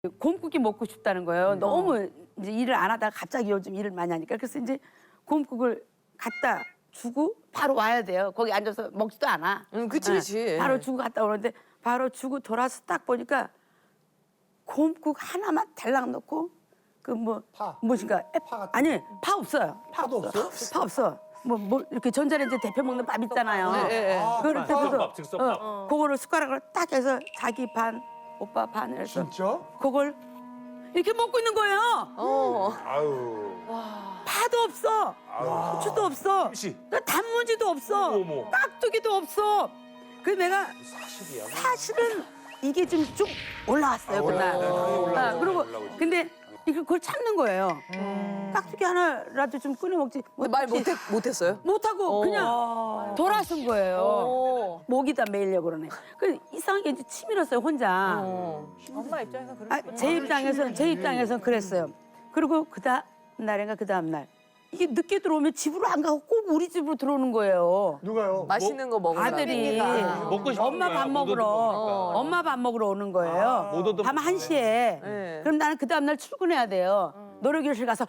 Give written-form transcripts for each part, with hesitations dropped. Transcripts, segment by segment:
곰국이 먹고 싶다는 거예요. 너무 이제 일을 안 하다가 갑자기 요즘 일을 많이 하니까. 그래서 이제 곰국을 갖다 주고 바로 와야 돼요. 거기 앉아서 먹지도 않아. 그치, 그치. 바로 주고 갔다 오는데 바로 주고 돌아서 딱 보니까 곰국 하나만 달랑 넣고 그 뭐 파. 무엇인가 파 같은 아니 파 없어요. 파도 없어? 파 없어. 뭐 이렇게 전자레인지 데펴 먹는 밥 있잖아요. 그걸 파. 데펴서 그거를 숟가락으로 딱 해서 자기 반 오빠 반 해서 진짜? 그걸 이렇게 먹고 있는 거예요. 아유. 파도 없어. 고추도 없어. 김치. 단무지도 없어. 어머. 깍두기도 없어. 그래서 내가 사실이야. 사실은 이게 좀 쭉 올라왔어요 그날. 올라오지. 그리고 올라오지. 근데 그걸 참는 거예요. 깍두기 하나라도 좀 끊어 먹지. 말 못했어요? 못하고 그냥 돌아선 거예요. 어. 목이다 매이려고 그러네. 그 이상하게 이제 치밀었어요 혼자. 엄마 입장에서 그럴 아, 제 입장에서는 그랬어요. 그리고 그 다음 날 이게 늦게 들어오면 집으로 안 가고 꼭 우리 집으로 들어오는 거예요. 누가요? 맛있는 거 먹으라. 아들이 먹고 싶은 엄마 거야. 밥 못 먹으러 얻어먹으니까. 엄마 밥 먹으러 오는 거예요. 못 얻어먹으니까. 밤 1시에. 네. 그럼 나는 그 다음 날 출근해야 돼요. 노래교실 가서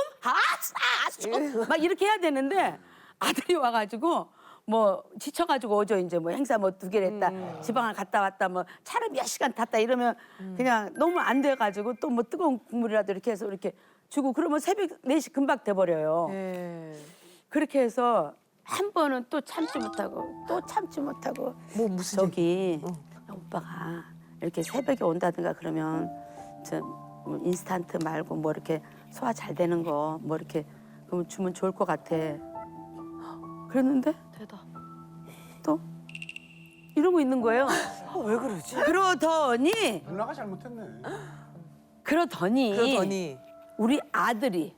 막 이렇게 해야 되는데 아들이 와가지고 뭐 지쳐가지고 오죠. 이제 뭐 행사 뭐 2개를 했다. 지방을 갔다 왔다. 뭐 차를 몇 시간 탔다 이러면 그냥 너무 안 돼가지고 또 뭐 뜨거운 국물이라도 이렇게 해서 이렇게 주고 그러면 새벽 4시 금방 돼버려요. 네. 그렇게 해서 한 번은 또 참지 못하고 뭐 무슨 저기 오빠가 이렇게 새벽에 온다든가 그러면 뭐 인스턴트 말고 뭐 이렇게 소화 잘 되는 거 뭐 이렇게 그러면 주면 좋을 것 같아. 그랬는데 또 이러고 있는 거예요. 왜 그러지? 그러더니 누나가 잘못했네. 그러더니. 우리 아들이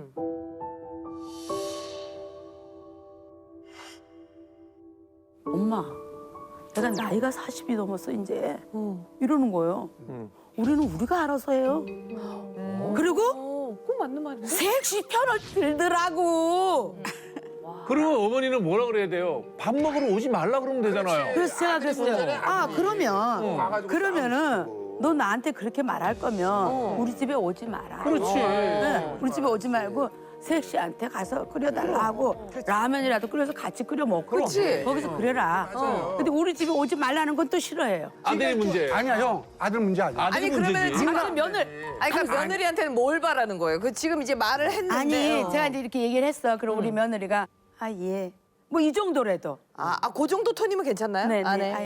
엄마, 내가 나이가 40이 넘었어 이제 이러는 거예요. 우리는 우리가 알아서 해요. 그리고 꼭 맞는 말이네. 섹시 편을 들더라고. 그러면 어머니는 뭐라 그래야 돼요? 밥 먹으러 오지 말라 그러면 되잖아요. 그래서 제가 그랬어요. 아 가가지고 그러면은 싸우고. 너 나한테 그렇게 말할 거면 우리 집에 오지 마라. 그렇지. 네, 우리 집에 오지 말고 섹시한테 가서 끓여달라 하고 라면이라도 끓여서 같이 끓여 먹고 그렇지. 거기서 그래라. 근데 우리 집에 오지 말라는 건 또 싫어해요. 아들이 문제. 아니야 형. 아들 문제 아니야. 아들이 아니, 그러면 문제지. 지금 아니 며느리 아니, 그러니까 며느리한테는 뭘 바라는 거예요? 그 지금 이제 말을 했는데. 아니 제가 이제 이렇게 얘기를 했어. 그럼 우리 며느리가 아 예. 뭐 이 정도라도. 그 정도 톤이면 괜찮나요? 네네. 아, 네. 아,